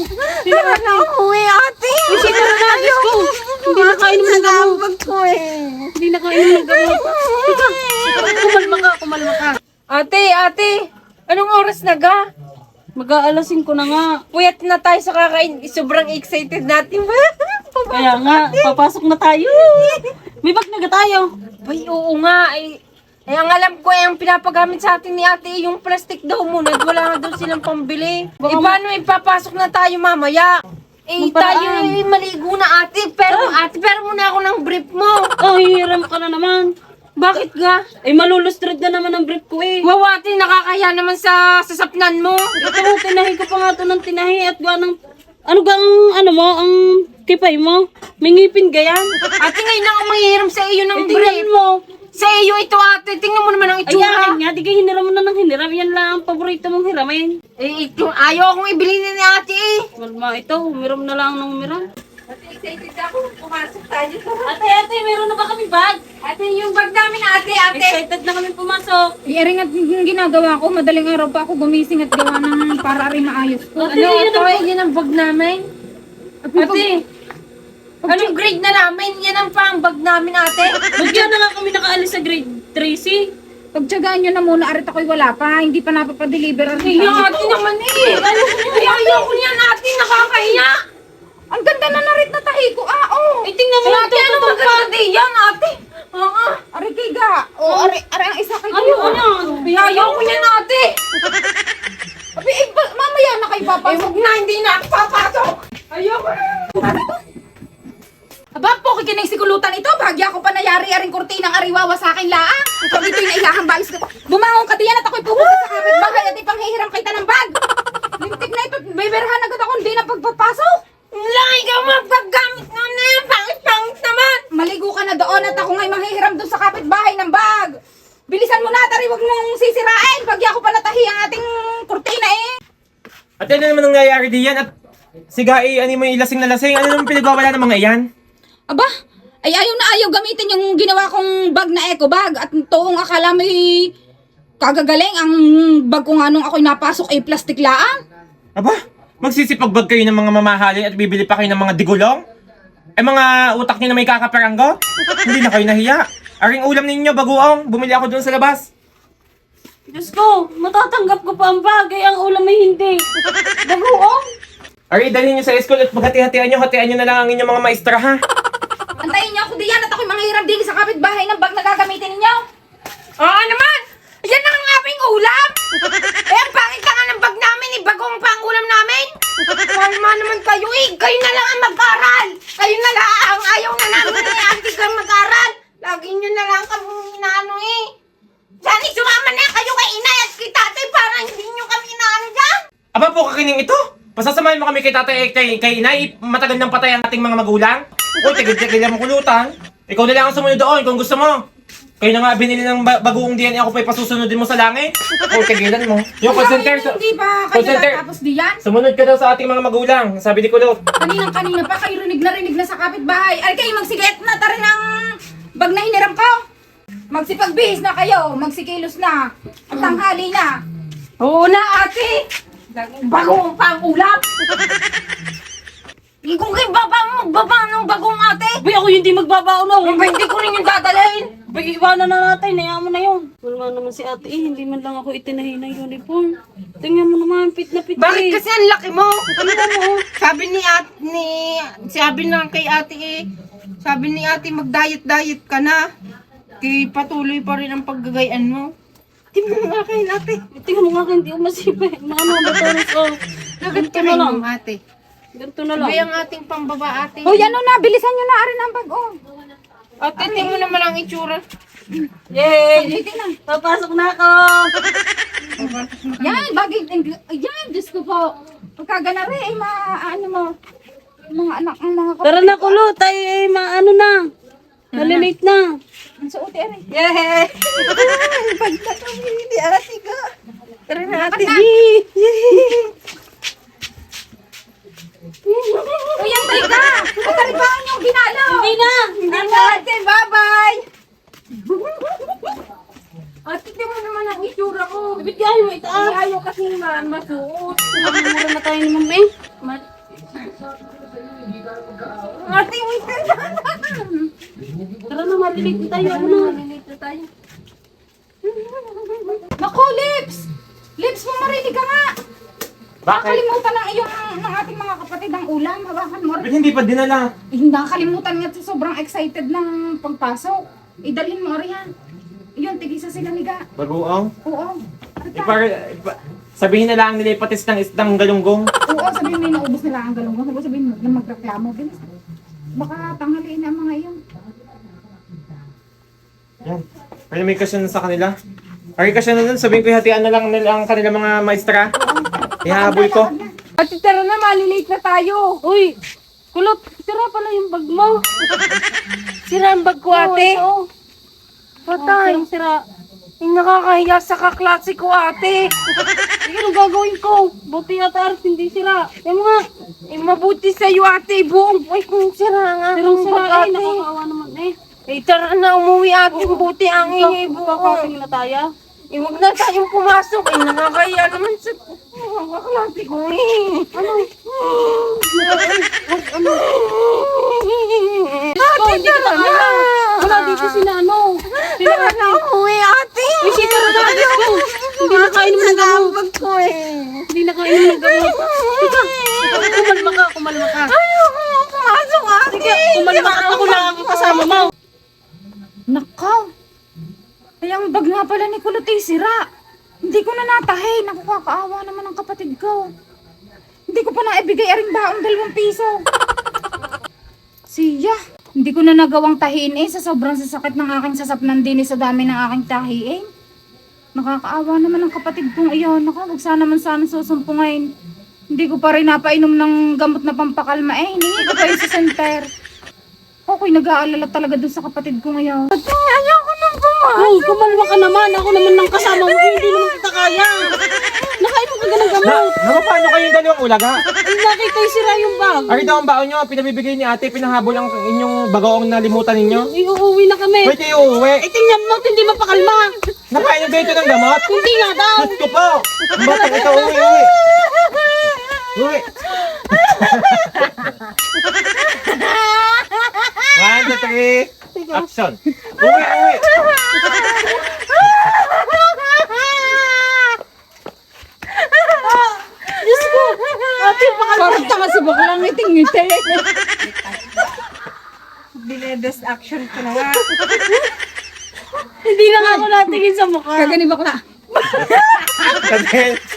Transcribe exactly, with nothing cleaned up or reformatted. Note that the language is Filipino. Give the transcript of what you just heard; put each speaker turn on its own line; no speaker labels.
Hindi na umuwi, ate.
Kasi na na, Diyos ko. Hindi na kainom ng gamot.
Nabag ko eh.
Hindi na kainom ng gamot. Teka, kumalma ka, kumalma ka.
Ate, ate. Anong oras na ga?
Mag-aalasin ko na nga.
Puyat na tayo sa kakain. Sobrang excited natin.
Kaya nga, papasok na tayo. May bag na ga tayo.
Ay, oo nga. Ay, ay, ang alam ko ay ang pinapagamit sa atin ni ate yung plastic daw muna at wala nga daw silang pambili.
Baka
Eh, paano ipapasok na tayo mamaya? Eh,
Magparaan.
tayo eh, maligo na ate. Pero, ate, pero muna ako ng brief mo.
Oh, hihiram ka na naman.
Bakit ga?
Eh, malulustrad na naman ang brief ko eh.
Wow, ate, nakakaya naman sa sasapnan mo.
Ito, tinahi ko pa nga ito ng tinahi at gawa ng... Ano ga ang, ano mo, ang kipay mo? May ngipin ga yan?
Ate, ngayon lang ako manghihiram sa iyo ng
Eh, tingnan
brief.
mo.
Sa iyo ito, ate. Tingnan mo naman ang itsura.
Ayan nga, di ka hiniram mo na ng hiniram. Yan lang ang paborito mong hiramin.
Eh, ito, ayaw akong ibili na ni ate eh.
Malma, ito, humiram na lang ng humiram.
Ate, excited ako. Pumasok tayo.
Ate, ate, meron na ba kami bag?
Ate, yung bag namin, ate, ate.
Excited na kami pumasok.
Iring at yung ginagawa ko, madaling araw pa ako gumising at gawa ng para rin maayos ko.
Ate,
Ano,
yan
ito,
ang
eh, yan ang bag namin. Ate, anong grade na namin? Yan ang pang bag namin, ate.
Ba't yan na nga kami nakaalis sa grade three C?
Pagtsagaan nyo na muna, arit ako'y wala pa, hindi pa napapadeliver.
Ay, yung ate naman eh. Ay, ayaw ko niyan, ate. Nakakahiya.
Ang ganda na narit na tahi ko, ah, oh.
Ay, tingnan mo,
Ay,
ate.
ito,
Ano
ito,
maganda din yan, ate? Oo.
Ari kay ga, oh, ari, ari ang isa kay
Ano, ano?
Ay, ayaw ko niyan, ate.
Abi, eh, ba- mamaya na kayo
Ay,
papasok.
huwag na, hindi na ako papasok. Ayaw ko na.
Aba, po kikinay si kulutan ito, bahagya ko pa nayari-aring kurtinang ariwawa sa akin laang. Pag ito'y naihahang balis ko. Bumangon ka diyan at ako'y pupunta sa kapitbahay at ipanghihiram kita ng bag. Lintik na ito, may berhan agad ako, hindi na pagpapasok.
Wala, ikaw magpaggamit mo na yan. Pangit-pangit naman.
Maligo ka na doon at ako nga'y manghihiram doon sa kapitbahay ng bag. Bilisan mo na, tari, huwag mong sisirain. Bagya ko pa natahi ang ating kurtina eh.
At ano naman ang nangyayari diyan? At siga eh, ano mo yung lasing na lasing? Ano naman pinagwawala ng mga iyan?
Aba, ay ayaw na ayaw gamitin yung ginawa kong bag na eco bag. At toong akala may kagagaling ang bag ko nga nung ako'y napasok ay plastic laang.
Aba, magsisipagbag kayo ng mga mamahalin at bibili pa kayo ng mga digulong? Eh mga utak niyo na may kakaperanggo? Hindi na kayo nahiya. Aring ulam ninyo, baguong. Bumili ako doon sa labas.
Diyos ko, matatanggap ko pa ang bagay, ang ulam ay hindi. Bagoong.
Ari, dalhin niyo sa school at maghati-hatian niyo. Hatian niyo na lang ang inyong mga maestra, ha?
Antayin niyo ako diyan at ako'y manghihiram din sa kapitbahay ng bag na gagamitin ninyo.
Oo naman. Yan na ang aming ulam. Eh, ang pangit ka nga ng bag namin. Eh, bagong pang ulam namin. Kalma naman kayo eh. Kayo na lang ang mag-aral. Kayo na lang. Ayaw na namin eh. Ate kang mag-aral. Lagi nyo na lang kami inaano eh. Sana sumama na kayo kay inay at kay tatay para hindi nyo kami inaano dyan.
Aba po kakining ito. Pasasamahin mo kami kay tatay eh, kay, kay inay. Matagal nang patay ang ating mga magulang. Uy, tigil-tigil lang mo kulutan. Ikaw na lang ang sumunod doon kung gusto mo. Kayo na nga binili ng ba- bagoong D N A, ako pa'y pasusunodin mo sa langit. O, tigilan mo. Yung call center,
Ay, hindi pa
call
kayo
center.
natapos diyan.
Sumunod ka daw sa ating mga magulang, sabi ni Kulot.
Kaninang-kanina pa kayo rinig na rinig na sa kapitbahay. Ay kayo magsiget na tari ng bag na hiniram ko. Magsipagbihis na kayo, magsikilos na. At tanghali na.
Oo na ate. Bagong pang ulam. Eh, kung kayo baba mo, magbaba ng bagong ate.
Bay, ako hindi magbabaon na.
Ba, hindi ko rin yung dadalhin.
Bay, iwanan na natin. Hayaan mo na yun. Wala naman si ate eh. Hindi man lang ako itinahi ng uniform. Tingnan mo naman, fit na fit
Bakit
eh.
kasi ang laki mo? Tingnan mo. Sabi ni ate, ni, sabi na kay ate eh, sabi ni ate mag-diet-diet ka na. Kaya patuloy pa rin ang paggagayan mo. Tingnan mo nga kayo ate.
Tingnan mo nga kayo, hindi ko masipay. Mga mga bataros ko.
Lagat
Ganito
ka
na
na
lang.
lang ate.
Ganito na lang.
Sabay ang ating pambaba ate.
O yan o na, bilisan nyo na arin ang bag oh.
Ate, tingnan mo naman ang itsura.
Yay!
Ulitin na.
Papasok na ako!
Yan, bagay, yan, Diyos ko po. Pagkagana rin, ay ma-ano mo. Mga anak ang mga
Tara na kulo, tayo eh, maano na. Nalilate na.
Ang suoti rin.
Yay! Pag na kami, hindi ate ka. Tara na ate.
O yan, tayo ka. Pagkaribangan yung ginalaw.
Hindi na!
Hindi na, ate, bye-bye.
Ate, tingnan mo naman ang itsura ko.
Bigyan mo itaas.
Ayaw kasi man masuot.
Mura na tayo ni mami. hayaan mo na.
Malilito tayo.
Naku, Lips! Lips, mamarinig ka nga!
Bakit?
Nakalimutan ng iyong ng ating mga kapatid ang ulam. Hawakan mo
Ba't
rin.
hindi pa dinala?
Eh, nakakalimutan nga sa sobrang excited ng pagpasok. Idalhin mo rin yan. Yun, tigisa sila niga.
Bagoong?
Oo.
Ipar, ipa, sabihin na lang nila ipatis ng isdang galunggong.
Oo, sabihin mo yung naubos nila ang galunggong. Sabihin sabihin mo na magreklamo. Bilis. Baka tanghaliin na ang mga iyon.
Yan. Pero may kasyan sa kanila. Ay, kasyan na nun. Sabihin ko hatian na lang nila ang kanila mga maestra. Ihahabol ko.
Ate, tara na, malilate na tayo.
Uy, kulot, sira pala yung bag mo.
Sira ang bag ko, ate.
Oo,
Patay.
sirang sira.
Yung nakakahiya sa kaklase ko, ate.
Sige, anong gagawin ko? Buti yata Ars, hindi sira. Yan mo nga.
Eh, mabuti sa'yo, ate. Buong buhay kong sira nga.
Sirang
Ang
sira
bag,
eh,
ate.
nakakaawa naman eh.
Eh, tara na, umuwi, ate. Buti ang ingay buong.
Magkakating na tayo.
Eh, huwag na tayong pumasok. Eh, nakakahiya naman sa mga kaklase ko, eh. Ano? Ano?
Ko, hindi kita kaya. Wala dito si Nano.
Tara na, umuwi, ate.
Uy, si Tara na, Diyos ko. Hindi na kainom ng gamot.
Bag ko, eh.
Hindi na kainom ng gamot. Teka, kumalma ka, kumalma ka.
Ayoko pumasok, ate.
Sige, kumalma ka. Ako lang ang kasama mo.
Nakaw! Ay, ang bag nga pala ni Kulot ay sira. Hindi ko na natahi. Naku, kakaawa naman ang kapatid ko. Hindi ko pa naibigay aring baong dalawang piso. Siya, hindi ko na nagawang tahiin eh sa sobrang sasakit ng aking sasapnan din eh sa dami ng aking tahiin. Nakakaawa naman ang kapatid kong iyon. Naku, huwag sana man sana susumpungain. Hindi ko pa rin napainom ng gamot na pampakalma eh. Hiningi ko pa yun sa center. Ako'y nag-aalala talaga dun sa kapatid ko ngayon.
Ate, ayoko nang pumasok.
Uy, kumalma ka naman. Ako naman ng kasama mo. Hindi naman kita kaya. Nakainom ka ng
Na,
gamot.
na paano kayong dalawang ulaga?
Ay, nakita yung sira yung bag.
Ari daw ang baon nyo, pinabibigay ni ate, pinahabol ang inyong bagoong nalimutan ninyo.
Ay, uuwi na kami.
Pwede kayo uuwi.
Ay, tingnan mo, hindi mapakalma.
Napainom ba ito ng gamot?
Hindi nga daw.
Diyos ko po! Ang batang ito, uwi, uwi! Uwi! One, two, three, action! Uwi, uwi!
Diyos ko. Ate, pakalma.
Parang tanga si baklang ngiting-ngiti.
Binebest action ko na nga.
Hindi na nga ako natingin sa mukha.
Kagani bakla.
Kasi,